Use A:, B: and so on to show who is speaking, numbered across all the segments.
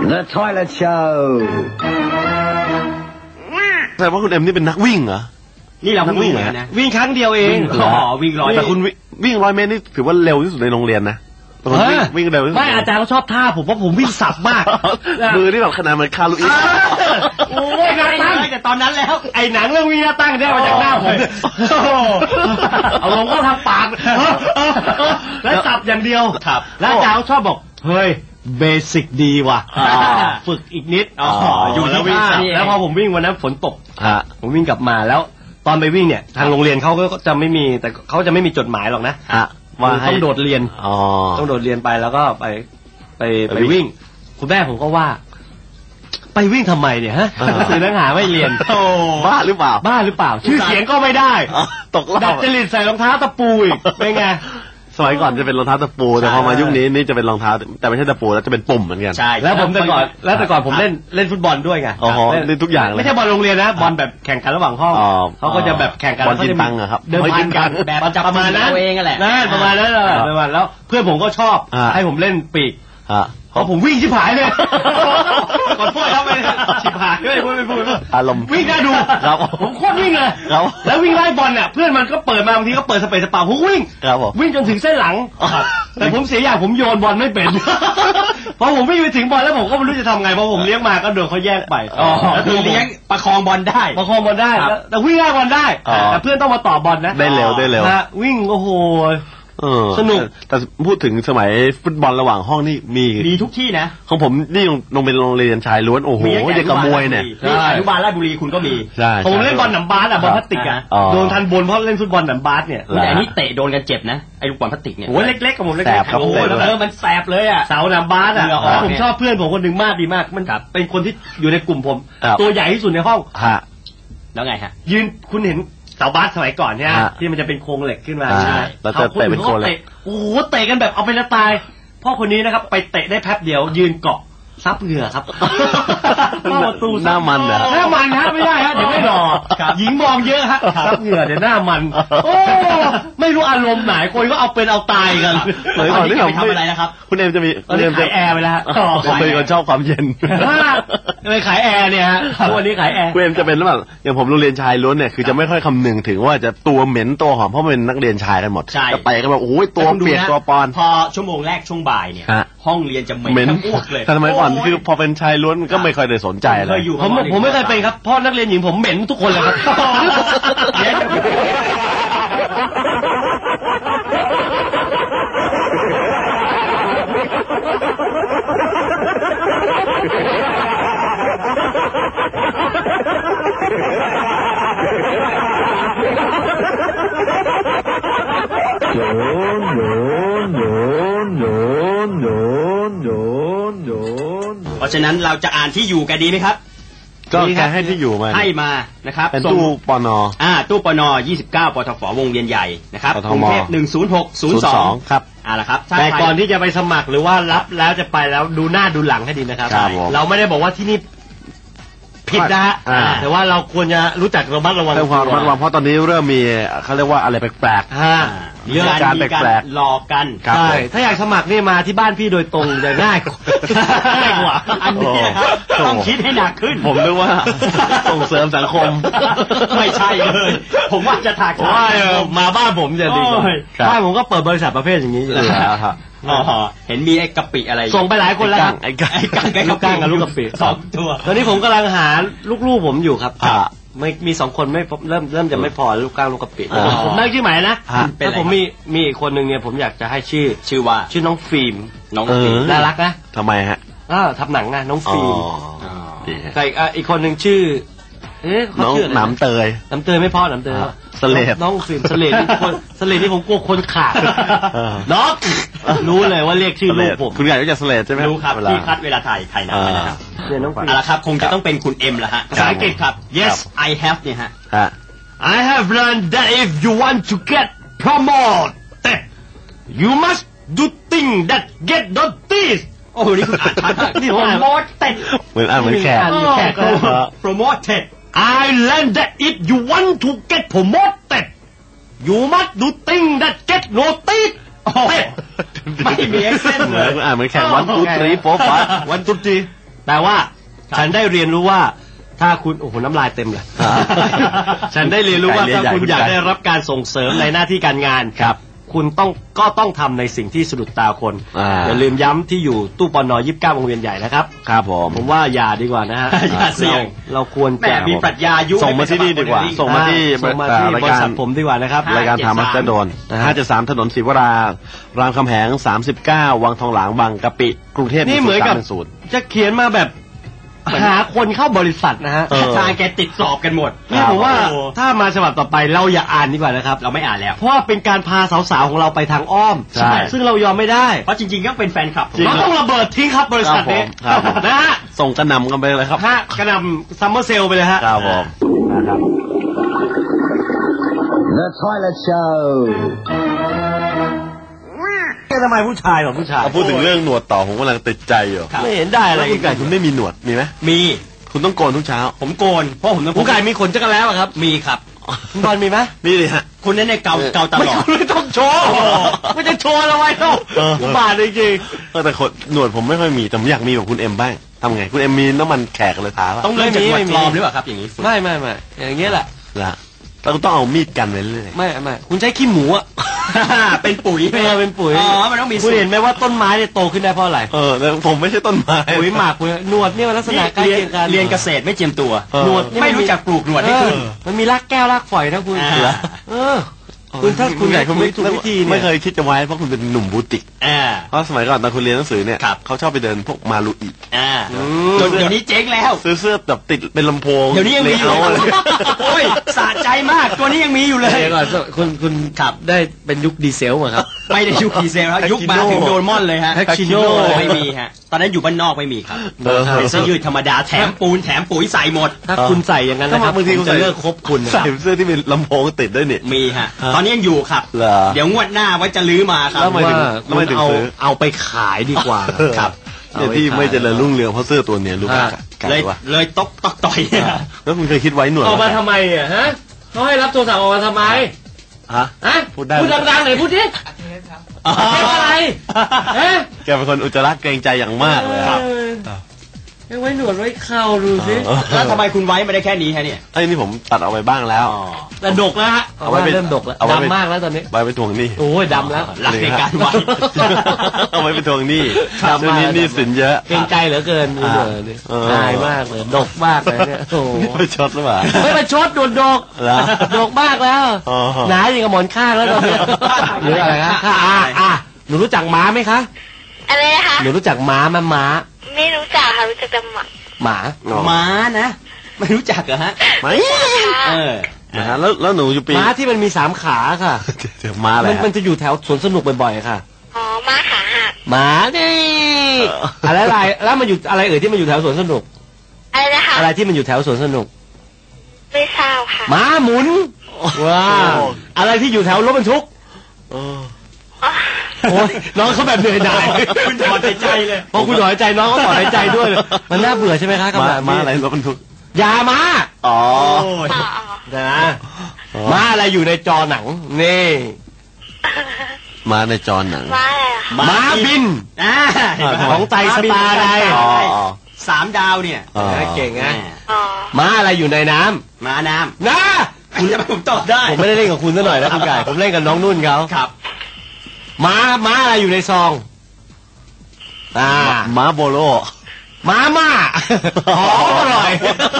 A: The Toilet Show
B: แต่ว่าคุณเอ็มนี่เป็นนักวิ่งเหรอ
C: นี่เราวิ่งเหรอนะวิ่งครั้งเดียวเองวิ่ง100
B: แต่คุณวิ่ง100 เมตรนี่ถือว่าเร็วที่สุดในโรงเรียนนะวิ่งเร็ว
C: ไม่อาจารย์เขาชอบท่าผมเพราะผมวิ่งสับมาก
B: มือนี่แบบขนาดเหมือนคารุอิ
C: โอ้ยหน้าตั้งแต่ตอนนั้นแล้วไอ้หนังเรื่องวิ่งหน้าตั้งได้มาจากหน้าผมเอาลงก็ทางปากแล้วสับอย่างเดียวแล้วอาจารย์เขาชอบบอกเฮ้ยเบสิกดีว่ะฝึกอีกนิดอยู่ที่วิ่งแล้วพอผมวิ่งวันนั้นฝนตกผมวิ่งกลับมาแล้วตอนไปวิ่งเนี่ยทางโรงเรียนเขาก็จะไม่มีแต่เขาจะไม่มีจดหมายหรอกนะว่าต้องโดดเรียนต้องโดดเรียนไปแล้วก็ไปวิ่งคุณแม่ผมก็ว่าไปวิ่งทำไมเนี่ยฮะคือนักหาไม่เรียน
B: บ้าหรือเปล่า
C: ชื่อเสียงก็ไม่ได้
B: ตกรอบ
C: ดัดจริตใส่รองเท้าตะปูอีกเป็นไง
B: สมัยก่อนจะเป็นรองเท้าตะปูแต่พอมายุคนี้นี่จะเป็นรองเท้าแต่ไม่ใช่ตะปูแล้วจะเป็นปุ่มเหมือนกัน
C: ใช่แล้วผมแต่ก่อนผมเล่นฟุตบอลด้วยไง
B: เล่นทุกอย่าง
C: ไม่ใช่บอลโรงเรียนนะบอลแบบแข่งกันระหว่างห้องเขาก็จะแบบแข่งกัน
B: บอลกินตังค์ครับ
C: เดินพันกันแบบประมาณนั้นเองแหละประมาณนั้นแล้วเพื่อนผมก็ชอบให้ผมเล่นปีกพอผมวิ่งชิบหายเลยขอโทษครับไม่ชิบหายไม่พูด
B: อารมณ์
C: วิ่งได้ดูผมโคตรวิ่งเลยแล้ววิ่งไล่บอลเนี่ยเพื่อนมันก็เปิดมาบางทีก็เปิดสเปซสปาผมวิ่งจนถึงเส้นหลังแต่ผมเสียอย่างผมโยนบอลไม่เป็นพอผมวิ่งไปถึงบอลแล้วผมก็ไม่รู้จะทำไงเพราะผมเลี้ยงมาก็โดนเขาแย่งไปคือเลี้ยงประคองบอลได้แต่วิ่งได้บอลได้แต่เพื่อนต้องมาต่อบอลนะ
B: ได้เร็ว
C: วิ่งโอ้โหสนุก
B: แต่พูดถึงสมัยฟุตบอลระหว่างห้องนี่มี
C: ทุกที่นะ
B: ของผมนี่ลงเป็นโรงเรียนชายล้วนโอ้โหเด็กกับมวยเนี่ย
C: อนุบาลราชบุรีคุณก็มีผมเล่นบอลหนำบาสบอลพลาสติกโดนทันบนเพราะเล่นฟุตบอลหนำบาสเนี่ยแต่อันนี้เตะโดนกันเจ็บนะไอ้ลูกบอลพลาสติกเนี่ยโอ้เล็กๆกับผมเล็กๆโอ้มันแสบเลยอ่ะเสาหนำบาสอ่ะผมชอบเพื่อนผมคนหนึ่งมากดีมากมันเป็นคนที่อยู่ในกลุ่มผมตัวใหญ่ที่สุดในห้องแล้วไงฮะยืนคุณเห็นเสาบาสสมัยก่อนเนี่ยที่มันจะเป็นโครงเหล็กขึ้นมา
B: ใช่แล้วจะเตะเป็นโครงเหล็ก
C: โอ้โหเตะกันแบบเอาไปละตายพ่อคนนี้นะครับไปเตะได้แป๊บเดียวยืนเกาะซับเหงื่อครับ
B: ประตูหน้ามันนะ
C: หน้ามันฮะไม่ได้ฮะเดี๋ยวไม่หล่อหญิงมองเยอะฮะซับเหงื่อเดี๋ยวหน้ามันโอ้ไม่รู้อารมณ์ไหนคนก็เอาเป็นเอาตายกัน
B: เลยก่อนที่
C: ทำอะไรนะครับ
B: คุณเอ็มจะมี
C: คุณเอ็มจะแอร์ไปแล้ว
B: เป็นคนชอบความเย็น
C: เลยขายแอร์เนี่ยฮะวันนี้ขายแอร์
B: คุณเอ็มจะเป็นหรือเปล่าอย่างผมโรงเรียนชายล้วนเนี่ยคือจะไม่ค่อยคำนึงถึงว่าจะตัวเหม็นตัวหอมเพราะเป็นนักเรียนชายกันหมดจะไปกันแบบโอ้ยตัวเปียกตัวปอน
C: พอชั่วโมงแรกช่วงบ่ายเนี่ยห้องเรียนจะเหม็นอ้วกเลย
B: สมัยก่อนคือพอเป็นชายล้วนก็ไม่ค่อยได้สนใจเลย
C: ผมไม่เคยเป็นครับเพราะนักเรียนหญิงผมเหม็นทุกคนเลยครับเพราะฉะนั้นเราจะอ่านที่อยู่กันดีไหมครับ
B: ก็แค่ให้ที่อยู่มา
C: ให้มานะครับ
B: เป็นตู้ปน.
C: ตู้ปน29ปทฟวงเวียนใหญ่นะครับกรุงเทพ10602
B: ครับ
C: ละครับแต่ก่อนที่จะไปสมัครหรือว่ารับแล้วจะไปแล้วดูหน้าดูหลังให้ดีนะครับเราไม่ได้บอกว่าที่นี่ผิดนะฮะแต่ว่าเราควรจะรู้จักระมัดระวัง
B: เพราะตอนนี้เริ่มมีเขาเรียกว่าอะไรแปลก
C: ๆเรื่องการแปลกๆหลอกกันใช่ถ้าอยากสมัครนี่มาที่บ้านพี่โดยตรงจะง่ายกว่าอันนี้นะครับต้องคิดให้หนักขึ้น
B: ผมนึกว่าส่งเสริมสังคม
C: ไม่ใช่เลยผมว่าจะถัก
B: มาบ้านผมจะดี
C: บ้านผมก็เปิดบริษัทประเภทอย่างนี้อยู่แล้วเห็นมีไอ้กะปิอะไรส่งไปหลายคนแล้วไอ้ก้างกับลูกกะปิ2 ตัวตอนนี้ผมกำลังหาลูกๆผมอยู่ครับไม่มี2 คนไม่เริ่มจะไม่พอลูกก้างลูกกะปิผมได้ชื่อใหม่นะแต่ผมมีอีกคนนึงเนี่ยผมอยากจะให้ชื่อว่าชื่อน้องฟิล์มน่ารักนะ
B: ทำไมฮะ
C: ทำหนังไงน้องฟิล์มแต่อีกคนนึงชื่อ
B: น้องน้ำเตย
C: ไม่พอน้ำเตย
B: สเลด
C: น้องฟิล์มสเลดนี่ผมกลัวคนขาดน้องรู้เลยว่าเรียกชื่อลูกผม
B: คุณอยากจะสเลดใช่ไหม
C: รู้ครับที่คัดเวลาถ่ายหนังนะครับเนี่ยน้องฟิล์มครับคงจะต้องเป็นคุณเอ็มละฮะภาษาอังกฤษครับ yes I have เนี่ยฮะ I have learned that if you want to get promoted you must do things that get noticed โอ้โหนี่คุณอ่านชัดนี่ผมpromoted
B: เหมือนแขก
C: promoted I learned that if you want to get promoted you must do things that get noticed ไม่มีเอ็กเซนต์เลย
B: เหมือนแข่ง1 2 3 4 5 1 2 3
C: แต่ว่าฉันได้เรียนรู้ว่าถ้าคุณโอ้โหน้ำลายเต็มเลย ฉันได้เรียนรู้ว่าถ้าคุณอยากได้รับการส่งเสริมในหน้าที่การงานครับคุณต้องทำในสิ่งที่สะดุดตาคนอย่าลืมย้ำที่อยู่ตู้ปน29วงเวียนใหญ่นะครับ
B: ครับผม
C: ว่าอย่าดีกว่านะฮะอย่าเสี่ยงเราควรจะ
A: มีปรัชญายุ
B: ส่งมาที่นี่ดีกว่าส่งมาที่
C: บริษัทผมดีกว่านะครับ
B: รายการธรรมะจะโดน573ถนนศรีวรารามคำแหง39วังทองหลางบางกะปิกรุงเทพ
C: นี่เหมือนกับจะเขียนมาแบบหาคนเข้าบริษัทนะฮะ
A: ทางแกติดสอบกันหมด
C: นี่ผมว่าถ้ามาฉบับต่อไปเราอย่าอ่านดีกว่านะครับ
A: เราไม่อ่านแล้ว
C: เพราะว่าเป็นการพาสาวๆของเราไปทางอ้อมซึ่งเรายอมไม่ได้
A: เพราะจริงๆก็เป็นแฟนคลับ
C: เราต้องระเบิดทิ้งครับบริษัทนี้นะฮะ
B: ส่งกระหน่ำกันไปเลยครับ
C: กระหน่ำซัมเมอร์เซลไปเลยฮะ
B: ครับผมนะครับ
D: The Toilet Show
C: ทำไมผู้ชาย
B: พูดถึงเรื่องหนวดต่อผมกำลังติดใจอยู่
C: ไม่เห็นได้อะไร
B: คุณไก่คุณไม่มีหนวดมีไหม
A: มี
B: คุณต้องโกนทุกเช้า
A: ผมโกนเพราะผม
C: คุณไก่มีขนจักรแล้วครับ
A: มีครับ
C: คุณบอลมีไหม
B: มีเลยฮะ
A: คุณนั่นในเกาตลอด
C: ไม่ต้องโชว์ไม่จะโชว์อะไรเนาะอุบาทจริง
B: แต่ขนหนวดผมไม่ค่อยมีแต่ผมอยากมีแบบคุณเอ็มบ้างทำไงคุณเอ็มมีน้ำมันแขกเลยท้า
A: ต้องเริ่มจากหนวดปลอมหรือเปล่าครับอย่างนี้
C: ไม่อย่างเงี้ยแหละ
B: เราต้องเอามีดกันไปเรื่อย
C: ไม่คุณใช้ขี้หมูอ่ะ
A: เป็นปุ๋ย
C: เป็นปุ๋ย
A: มันต้องมี
C: คุณเห็นไหมว่าต้นไม้เนี่ยโตขึ้นได้เพราะอะไร
B: แต่ผมไม่ใช่ต้นไม้
C: ปุ๋ยหมากปุ๋ยหนวดเนี่ยลักษณะใกล้เคียงกัน
A: เรียนเกษตรไม่เจียมตัว
C: หนวด
A: ไม่รู้จักปลูกหนวดให้ขึ้น
C: มันมีรากแก้วรากฝอยนะคุณคุณถ้าคุณไหนคุณไม่ถูกวิธี
B: ไม่เคยคิดจะไว้เพราะคุณเป็นหนุ่มบูติกเพราะสมัยก่อนตอนคุณเรียนหนังสือเนี่ยเขาชอบไปเดินพวกมาลุอิ
A: เดี๋ยวนี้เจ๊งแล้ว
B: ซื้อเสื้อแบบติดเป็นลำโพง
A: เดี๋ยวนี้ยังมีอยู่โอ้ยสะใจมากตัวนี้ยังมีอยู่เลย
C: ก่อนคุณขับได้เป็นยุคดีเซลมั้งครับ
A: ไม่ได้ยุคดีเซลครับยุคมาถึงโดมอนเลยฮะ
C: แท็กชิโน่
A: ไม่มีฮะตอนนั้นอยู่บ้านนอกไม่มีครับเป็นเสื้อยืดธรรมดาแถมปูนแถมปุ๋ยใส่หมด
C: ถ้าคุณใส่อย่างนั้นนะครับ
B: บางทีคุณจะเลิกคบคุณใส่เสื้อที่เป็นลำโพงติดด้วยเนี่ย
A: มีฮะตอนนี้ยังอยู่ครับเดี๋ยวงวดหน้าไว้จะลื้อมาครับ
C: แล้วไม่ถึงเอาไปขายดีกว่า
A: ครับ
B: เนี่ยที่ไม่เจริญรุ่งเรืองเพราะเสื้อตัวเนี้ยรู้ป่ะ
A: เลยตกต่อย
B: แล้วคุณเคยคิดไว้หนวด
C: ออกมาทำไมอ่ะฮะเขาให้รับโทรศัพท์ออกมาทำไมพูดดังๆหน่อยพูดดิอะไร
B: แกเป็นคนอุจจาระเกรงใจอย่างมากเลยครับ
C: ไว้หนวดไว้เข่าดูสิ
A: แล้วทำไมคุณไว้ไม่ได้แค่นี้ฮะเนี่ย
B: ไอ้นี่ผมตัดเอาไปบ้างแล้ว
C: แต่ดกแล้วฮะเอาไว้เริ่มดกแล้วดำมากแล้วตอนนี้
B: ไว้ไปทวงหนี้
C: โอ้ยดำแล้ว
A: หลักในการไว้
B: เอาไว้ไปทวงหนี้เรื่องนี้นี่สินเยอะ
C: เกรงใจเหลือเกินนี่อายมากเลยดกมากเลยเนี่ยโอ้
B: ไปชดหรือเปล่า
C: ไม่ไปชดดกมากแล้วหนาอย่างกับหมอนข้างแล้วตอนนี้หรืออะไรคะหนูรู้จักม้าไหมคะ
E: อะไรนะคะ
C: หนูรู้จักม้าม้า
E: ไม่รู้จักค่ะรู้จักแต่
C: หมา
A: นะไม่รู้จักเหรอฮะ
B: ไม่นะฮะแล้วหนูอยู่ปี
C: ม้าที่มันมี3ขาค่ะ
B: ม้าอะไร
C: มันจะอยู่แถวสวนสนุกบ่อยๆค่ะ
E: อ๋อม้าขาหัก
C: ม้านี่อะไรแล้วมันอยู่อะไรที่มันอยู่แถวสวนสนุก
E: อะไรนะคะ
C: อะไรที่มันอยู่แถวสวนสนุก
E: ไม่ทราบค่ะ
C: ม้าหมุนว้าวอะไรที่อยู่แถวรถบรรทุกโอ้ยน้องเขาแบบเหนื่อยหน่าย
A: คุณถอนใจเลย
C: พอคุณถอนใจน้องเขาถอนใจด้วยมันน่าเบื่อใช่ไหมคะคำถาม
B: ม้าอะไรรถบรรทุก
C: ยาม้า
E: นะ
C: ม้าอะไรอยู่ในจอหนังนี่
B: ม้าในจอหนัง
C: ม้าบินของไตสตาร์ใด
A: 3 ดาวเนี่ย
C: เก่งนะม้าอะไรอยู่ในน้
A: ำม้าน้
C: ำนะ
A: คุณจะไปผมตอบได้
C: ผมไม่ได้เล่นกับคุณซะหน่อยนะคุณไก่ผมเล่นกับน้องนุ่นเขา
A: ครับ
C: ม้าอะไรอยู่ในซอง
B: ม้าโบโล
C: ม้าหอมอร่อย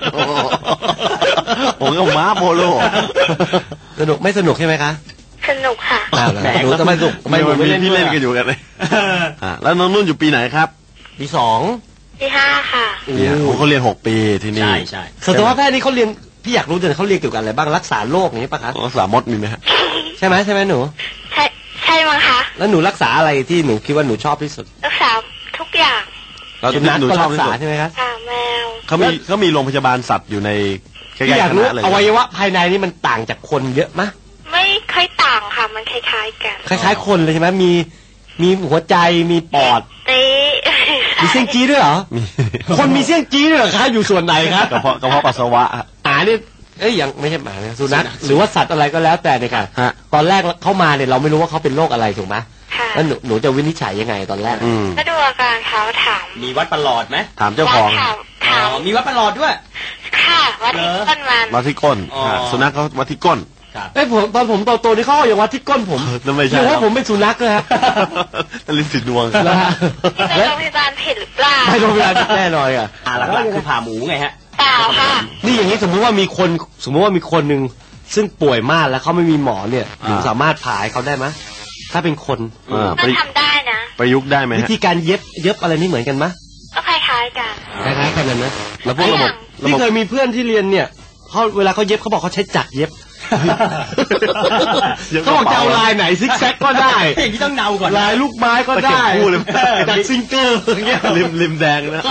B: ผมก็ม้าโบโล
C: สนุกไม่สนุกใช่ไหมคะ
E: สนุกค่ะ
C: หนูจะไม่สนุก
B: ไม่มีที่เล่นกันอยู่กันเลยแล้วน้องนุ่นอยู่ปีไหนครับ
C: ปี
E: 2 ปี 5ค่ะ
B: เขาเรียน6 ปีที่นี่
A: ใช่
C: สัตวแพทย์นี่เขาเรียนพี่อยากรู้จังเขาเรียนเกี่ยวกับอะไรบ้างรักษาโรคอย่างนี้ปะคะ
B: รักษามดมีไหมฮะ
C: ใช่ไหมหนู
E: ใช่มั้งคะ
C: แล้วหนูรักษาอะไรที่หนูคิดว่าหนูชอบที่สุด
E: รักษาทุกอย่าง
C: เราจะหนูชอบรักษาใช่ไหมครับ
E: แมว
B: เขามีโรงพยาบาลสัตว์อยู่ในใกล้ๆ
C: อยากรู้อวัยวะภายในนี่มันต่างจากคนเยอะไหม
E: ไม่ค่อยต่างค่ะมันคล้ายๆกัน
C: คล้ายๆคนเลยใช่ไหมมีหัวใจมีปอดมีเสี้ยงจี้ด้วยเหรอคนมีเสี้ยงจี้ด้วยเหรอคะอยู่ส่วนไหนครับ
B: กระเพาะปัสสาวะ
C: นี่ยังไม่ใช่หมาสุนัขหรือว่าสัตว์อะไรก็แล้วแต่เนี่ยค่ะตอนแรกเข้ามาเนี่ยเราไม่รู้ว่าเขาเป็นโรคอะไรถูกไหม
E: ค่ะ
C: แล้วหนูจะวินิจฉัยยังไงตอนแรก
E: ก็ดูอาการเขาถาม
A: มีวัดประหลอดไหม
B: ถามเจ้าของ
E: ถาม
A: มีวัดประหลอดด้วย
E: ค่ะวัดที่ต้นมัน
B: วัดที่ก้น
A: อ๋อ
B: สุนัขเขาวัดที่ก้น
C: เอ้ยผมตอนผมโตๆนี่เขาเอาอย่างวัดที่ก้นผม
B: นั่นไม่ใช่
C: อยู่ว่าผมเป็นสุนัขเลยฮะ
B: นั่นลิ้นสีดวง
C: แล้วฮะ
E: ที่ไปโรงพยาบาลผิดหรือเปล่า
C: ไปโรงพยาบาลแน่นอนอ่ะ
A: หลักๆคือผ่าหมูไงฮะ
E: เปล่าค่ะ
C: นี่อย่างนี้สมมุติว่ามีคนหนึ่งซึ่งป่วยมากแล้วเขาไม่มีหมอเนี่ยหนูสามารถผ่าให้เขาได้ไหมถ้าเป็นคน
E: ก็ทำได้นะ
B: ประยุกต์ได้ไหม
C: วิ
B: ฮะ
C: ธีการเย็บอะไรนี่เหมือนกันไหม
E: ก็คล้ายๆกัน
C: คล้ายๆกันเลยนะ
B: แล้วพวกระบบ
C: ที่เคยมีเพื่อนที่เรียนเนี่ยเขาเวลาเขาเย็บเขาบอกเขาใช้จักรเย็บเขาบอกจะเอาลายไหนซิกแซกก็ได้
A: อย่างนี้ต้องเดาก่อน
C: ลายลูกไม้ก็ได้
B: คู่เลย
C: จักรซิงเกอร์อย่างเงี้ย
B: ริมแดงนะ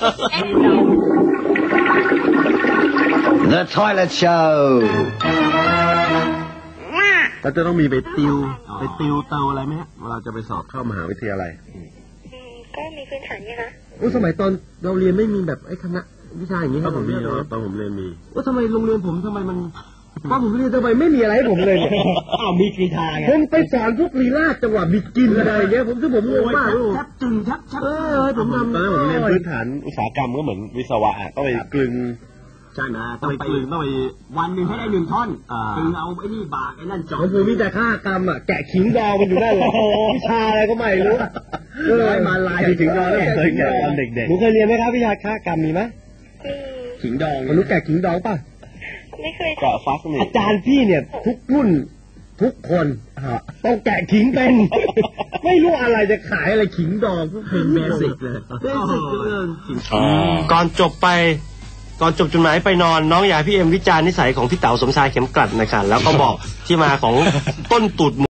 D: The Toilet Show
B: เราจะต้องมีไปติวเตาอะไรไหมฮะเวลาจะไปสอบเข้ามหาวิทยาลัย
E: ก็มีพื้นฐานนี่นะ
C: สมัยตอนเราเรียนไม่มีแบบไอ้คณะวิชาอย่างนี้
B: ตอนผมเรียนมี
C: ว่าทำไมโรงเรียนผมทำไมมันตอนผมเรียนทำไมไม่มีอะไรให้ผมเลยเนี่ย
A: อ้าวมีกรีธาไง
C: ผมไปสอนพวกลีลาดจังหวะบิกินอะไรอย่างเงี้ยผมงงมากลูก
A: ชับจึงชับ
C: ผมทำ
B: ตอนนั้นผมเรียนพื้นฐานอุตสาหกรรมก็เหมือนวิศวะอะต้องไปกลึง
A: ใช่ไหมต้องไปวันหนึ่งให้ได้1 ท่อนจึงเอาไอ้นี่บากไอ้นั่นจอ
C: ของผมมีแต่ฆ่ากรรมอ่ะแกะขิงดองมันอยู่นั่นแหละวิชาอะไรก็ไม่รู้
A: มาลาย
B: ขิงดองเนี่ยเคยแกะตอนเด็ก
C: หนูเคยเรียนไหมครับวิชาฆ่ากรรมมีไหม
A: ขิงดอง
C: มนุษย์แกะขิงดองป่ะ
E: ไม่เคย
B: ๆเกาะฟักนี่
C: อาจารย์พี่เนี่ยทุกรุ่นทุกคนต้องแกะขิงเป็น ไม่รู้อะไรจะขายอะไรขิงดองเป็นเบสิกเลยก่อนจบจดหมายไปนอนน้องอยากพี่เอ็มวิจารณ์นิสัยของพี่เต๋าสมชายเข็มกลัดนะครับแล้วก็บอกที่มาของต้นตูด